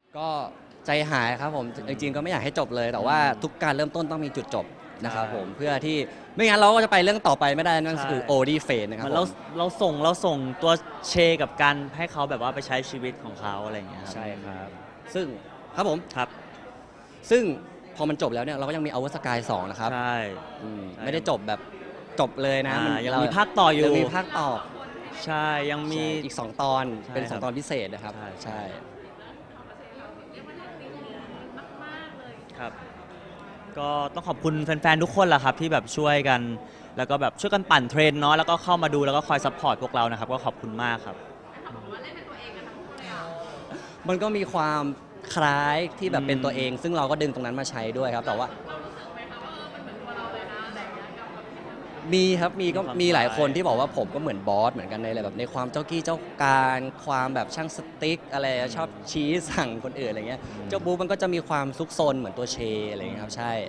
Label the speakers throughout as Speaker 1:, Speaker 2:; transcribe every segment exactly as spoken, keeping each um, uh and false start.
Speaker 1: ก็ใจหายครับผมจริงๆก็ไม่อยากให้จบเลยแต่ว่าทุกการเริ่มต้นต้องมีจุดจบนะครับผมเพื่อที่ไม่งั้นเราก็จะไปเรื่องต่อไปไม่ได้นั่นคือโอดีเฟนนะครับ
Speaker 2: เราเราส่งเราส่งตัวเชกับการให้เขาแบบว่าไปใช้ชีวิตของเขาอะไรอย่างเงี้ยครับ
Speaker 1: ใช่ครับซึ่งครับผม
Speaker 2: ครับ
Speaker 1: ซึ่งพอมันจบแล้วเนี่ยเราก็ยังมีอวสกายสองนะครับ
Speaker 2: ใช่
Speaker 1: ไม่ได้จบแบบจบเลยนะมัน
Speaker 2: ยังมีภาคต่ออยู่
Speaker 1: ยังมีภาคต่อ
Speaker 2: ใช่ยังมี
Speaker 1: อีกสองตอนเป็นสองตอนพิเศษนะครับใช่
Speaker 2: ครับก็ต้องขอบคุณแฟนๆทุกคนแหละครับที่แบบช่วยกันแล้วก็แบบช่วยกันปั่นเทรนเนาะแล้วก็เข้ามาดูแล้วก็คอยซัพพอร์ตพวกเรานะครับก็ขอบคุณมากครับ
Speaker 1: มันก็มีความคล้ายที่แบบเป็นตัวเองซึ่งเราก็ดึงตรงนั้นมาใช้ด้วยครับแต่ว่ามีครับมีก็มีหลายคนที่บอกว่าผมก็เหมือนบอสเหมือนกันในอะไรแบบในความเจ้ากี้เจ้าการความแบบช่างสติ๊กอะไรชอบชี้สั่งคนอื่นอะไรเงี้ยเจ้าบูมันก็จะมีความซุกซนเหมือนตัวเชอะไรเงี้ยครับใช่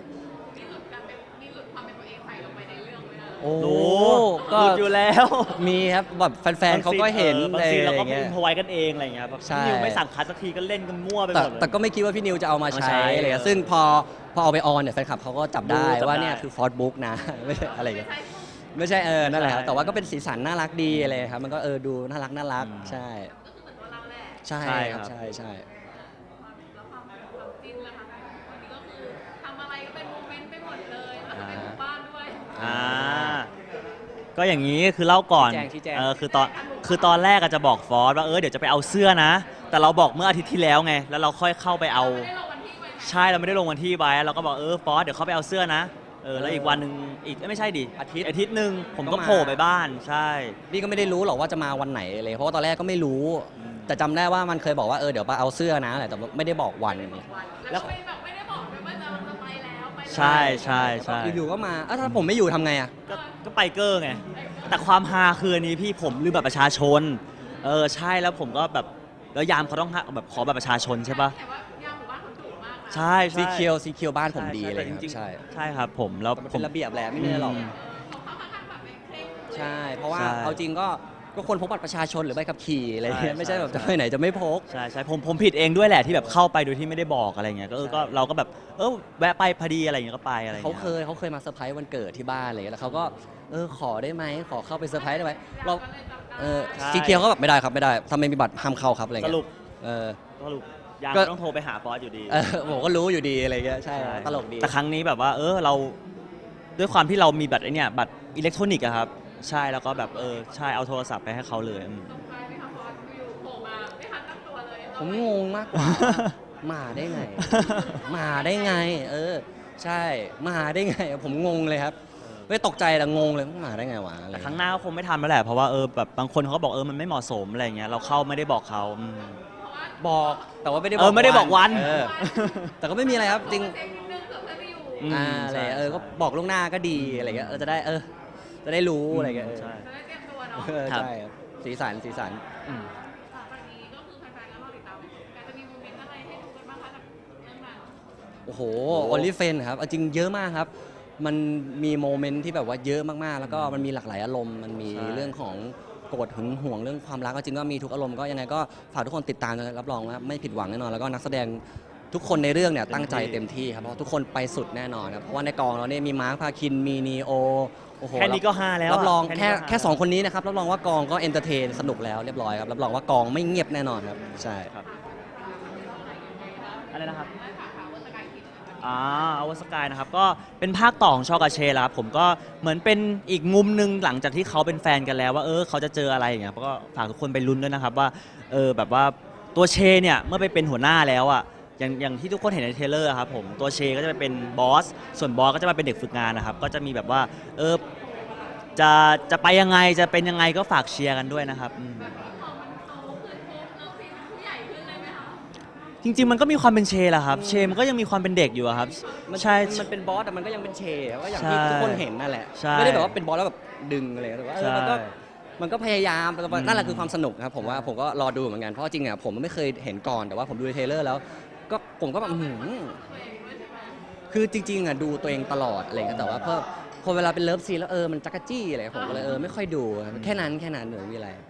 Speaker 1: โอ้
Speaker 2: ก็อยู่แล้ว
Speaker 1: มีครับแบบแฟนๆเขาก็เห็น
Speaker 2: บางทีเราก็อินพอไว้กันเองอะไรเงี้ยแบบพี่นิวไม่สั่งคัดสักทีก็เล่นกันมั่วไปหมด
Speaker 1: แต่ก็ไม่คิดว่าพี่นิวจะเอามาใช้อะไรเงี้ยซึ่งพอพอเอาไปออนเนี่ยแฟนคลับเขาก็จับได้ว่าเนี่ยคือฟอร์ดบุ๊กนะไม่ใช่อะไรเงี้ยไม่ใช่เออนั่นแหละครับแต่ว่าก็เป็นสีสันน่ารักดีอะไรครับมันก็เออดูน่ารักน่ารักใช่ใช่ครับใช่ใช่
Speaker 2: อ่าก็อย่างนี้คือเล่าก่อนเออคือตอนคือตอนแรกอาจจะบอกฟอสว่าเออเดี๋ยวจะไปเอาเสื้อนะแต่เราบอกเมื่ออาทิตย์ที่แล้วไงแล้วเราค่อยเข้าไปเอาใช่เราไม่ได้ลงวันที่ไว้เราก็บอกเออฟอสเดี๋ยวเขาไปเอาเสื้อนะเออแล้วอีกวันหนึ่งอีกไม่ใช่ดิอาทิตย์อาทิตย์หนึ่งผมก็โผล่ไปบ้านใช่
Speaker 1: พี่ก็ไม่ได้รู้หรอกว่าจะมาวันไหนเลยเพราะว่าตอนแรกก็ไม่รู้แต่จำได้ว่ามันเคยบอกว่าเออเดี๋ยวไปเอาเสื้อนะแต่ไม่ได้บอกวัน
Speaker 3: แล้วไม่ได้บอกด้วยว่าจะไปแล้วไป
Speaker 2: ใช่ใช่ใช่
Speaker 1: อยู่ๆก็มาถ้าผมไม่อยู่ทำไงอ่ะ
Speaker 2: ก็ไปเกอร์ไงแต่ความฮาคืออันนี้พี่ผมลืมบัตรประชาชนเออใช่แล้วผมก็แบบแล้วยามเขาต้องแบบขอบัตรประชาชนใช่ปะใช่
Speaker 1: ซีเคียวซีเคียวบ้านผมดีเลยครับใช่
Speaker 2: ใช่ครับผมแล้ว
Speaker 1: เป็นระเบียบแหละไม่ได้หรอกใช่เพราะว่าเอาจริงก็ก็คนพกบัตรประชาชนหรือใบขับขี่อะไรเงี้ยไม่ใช่แบบจะไปไหนจะไม่พก
Speaker 2: ใช่ใช่ผมผมผิดเองด้วยแหละที่แบบเข้าไปโดยที่ไม่ได้บอกอะไรเงี้ยก็เออก็เราก็แบบเออแวะไปพอดีอะไรเงี้ยก็ไปอะไร
Speaker 1: เขาเคยเขาเคยมาเซอร์ไพรส์วันเกิดที่บ้านอะไรเงี้ยแล้วเขาก็เออขอได้ไหมขอเข้าไปเซอร์ไพรส์ได้ไหมเราเออซีเคียวก็แบบไม่ได้ครับไม่ได้ถ้าไม่มีบัตรห้ามเข้าครับอะไรเงี้ย
Speaker 2: สรุป
Speaker 1: เออ
Speaker 2: สรุปยังต้องโทรไปหาฟอสอยู่ดี
Speaker 1: เออผมก็รู้อยู่ดีอะไรเงี้ยใช่ตลกดี
Speaker 2: แต่ครั้งนี้แบบว่าเออเราด้วยความที่เรามีบัตรไอเนี่ยบัตรอิเล็กทรอนิกส์อะครับใช่แล้วก็แบบเออใช่เอาโทรศัพท์ไปให้เขาเลย
Speaker 1: ผมงงมากกว่ามาได้ไงมาได้ไงเออใช่มาได้ไงผมงงเลยครับไม่ตกใจแต่งงเลยมาได้ไงวะ
Speaker 2: แต่ครั้งหน้าก็คงไม่ทำแล้วแหละเพราะว่าเออแบบบางคนเขาก็บอกเออมันไม่เหมาะสมอะไรเงี้ยเราเข้าไม่ได้บอกเขา
Speaker 1: บอกแต่ว่าไม่ได้
Speaker 2: บอกเออไม่ได้บอกวัน
Speaker 1: แต่ก็ไม่มีอะไรครับจริงอ่าอะไรเออก็บอกล่วงหน้าก็ดีอะไรเงี้ยเออจะได้เออจะได้รู้อะไรเงี้ย
Speaker 2: ใช่
Speaker 1: ใช่สีสันสีสันโอ้โหออลลี่เฟนครับจริงเยอะมากครับมันมีโมเมนต์ที่แบบว่าเยอะมากๆแล้วก็มันมีหลากหลายอารมณ์มันมีเรื่องของโกรธหึงหวงเรื่องความรักก็จริงก็มีทุกอารมณ์ก็ยังไงก็ฝากทุกคนติดตามนะรับรองว่าไม่ผิดหวังแน่นอนแล้วก็นักแสดงทุกคนในเรื่องเนี่ยตั้งใจเต็มที่ครับเพราะทุกคนไปสุดแน่นอนครับเพราะว่าในกองเราเนี่ยมีมาร์คพาคินมีนีโอโอ้โห
Speaker 2: แค่นี้ก็ฮาแล้ว
Speaker 1: รับรองแค่แค่สองคนนี้นะครับรับรองว่ากองก็เอนเตอร์เทนสนุกแล้วเรียบร้อยครับรับรองว่ากองไม่เงียบแน่นอนครับใช่
Speaker 2: ครับอะไรนะครับอ่าอวสกายนะครับก็เป็นภาคต่อของชอกาเชแล้วครับผมก็เหมือนเป็นอีกมุมหนึ่งหลังจากที่เขาเป็นแฟนกันแล้วว่าเออเขาจะเจออะไรอย่างเงี้ยก็ฝากทุกคนไปลุ้นด้วยนะครับว่าเออแบบว่าตัวเชเนี่ยเมื่อไปเป็นหัวหน้าแล้วอ่ะอย่างอย่างที่ทุกคนเห็นในเทรลเลอร์ครับผมตัวเชก็จะไปเป็นบอสส่วนบอสก็จะมาเป็นเด็กฝึกงานนะครับก็จะมีแบบว่าเออจะจะไปยังไงจะเป็นยังไงก็ฝากเชียร์กันด้วยนะครับจริงๆมันก็มีความเป็นเชแหละครับเชมันก็ยังมีความเป็นเด็กอยู่ครับ
Speaker 1: ใช่มันเป็นบอสแต่มันก็ยังเป็นเชก็อย่างที่ทุกคนเห็นนั่นแหละไม่ได้แบบว่าเป็นบอสแล้วแบบดึงอะไรแต่ว่ามันก็มันก็พยายามนั่นแหละคือความสนุกครับผมว่าผมก็รอดูเหมือนกันเพราะจริงอ่ะผมไม่เคยเห็นก่อนแต่ว่าผมดูในเทรลเลอร์แล้วก็ผมก็แบบคือจริงๆอ่ะดูตัวเองตลอดอะไรเงี้ยแต่ว่าพอพอเวลาเป็นเลิฟซีนแล้วเออมันจักรจี้อะไรผมก็เลยเออไม่ค่อยดูแค่นั้นแค่นั้นหรือมีอะไร